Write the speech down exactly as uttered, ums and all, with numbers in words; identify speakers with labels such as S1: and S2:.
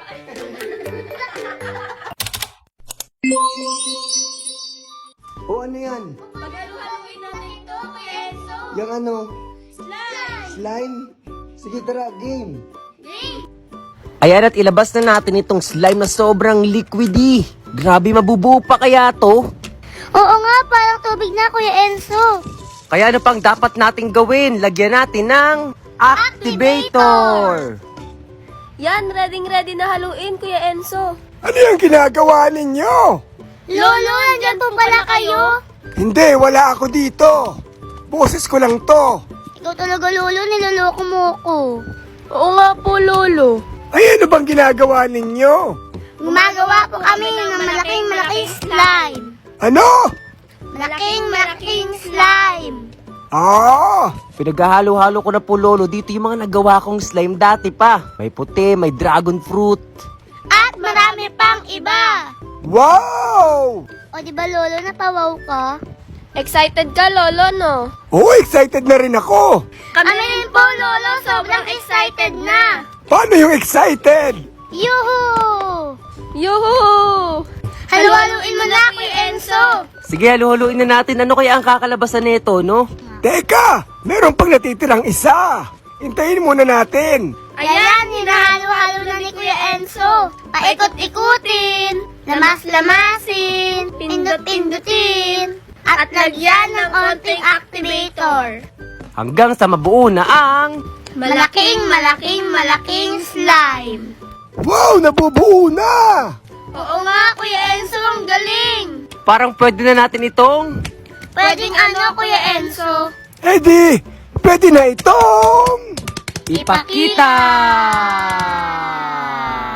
S1: O ano yan?
S2: Paghaluhaluin natin ito, Kuya Enzo.
S1: Yung ano?
S2: Slime!
S1: Slime? Sige tara, game.
S2: Game!
S3: Ayan at ilabas na natin itong slime na sobrang liquidy. Grabe, mabubuo pa kaya to?
S2: Oo nga, parang tubig na, Kuya Enzo.
S3: Kaya ano pang dapat nating gawin? Lagyan natin ng activator.
S2: Yan, ready-ready na haluin, Kuya Enzo.
S4: Ano yung ginagawa ninyo?
S2: Lolo, nandyan po pala kayo.
S4: Hindi, wala ako dito. Boses ko lang to.
S2: Ikaw talaga, Lolo, niloloko mo ko. Oo nga po, Lolo.
S4: Ay, ano bang ginagawa ninyo?
S2: Gumagawa po kami ng malaking malaking slime.
S4: Ano?
S2: Malaking malaking slime.
S4: Ah,
S3: Pinaghahalo-halo ko na po, Lolo. Dito yung mga nagawa kong slime dati pa. May puti, may dragon fruit.
S2: At marami pang iba.
S4: wow!
S2: O di ba, Lolo, napawaw ka? Excited ka, Lolo, no?
S4: Oh, excited na rin ako.
S2: Kami rin po, Lolo, sobrang excited na.
S4: Paano yung excited?
S2: Yuhu! Yuhu! Halu-haluin mo na, Kuya Enzo.
S3: Sige, halo-haloin na natin. Ano kaya ang kakalabasan nito, no?
S4: Teka, meron pang natitirang isa. Hintayin muna natin.
S2: Ayan, hinahalo-halo na ni Kuya Enzo. Paikot-ikutin, lamas-lamasin, pindot-pindutin, at lagyan ng onting activator.
S3: Hanggang sa mabuo na ang...
S2: Malaking, malaking, malaking slime.
S4: Wow, nabubuo na!
S2: Oo nga, Kuya Enzo, ang galing.
S3: Parang pwede na natin itong...
S2: Pwedeng ano, Kuya Enzo?
S4: Eh di, pwede na itong...
S3: Ipakita!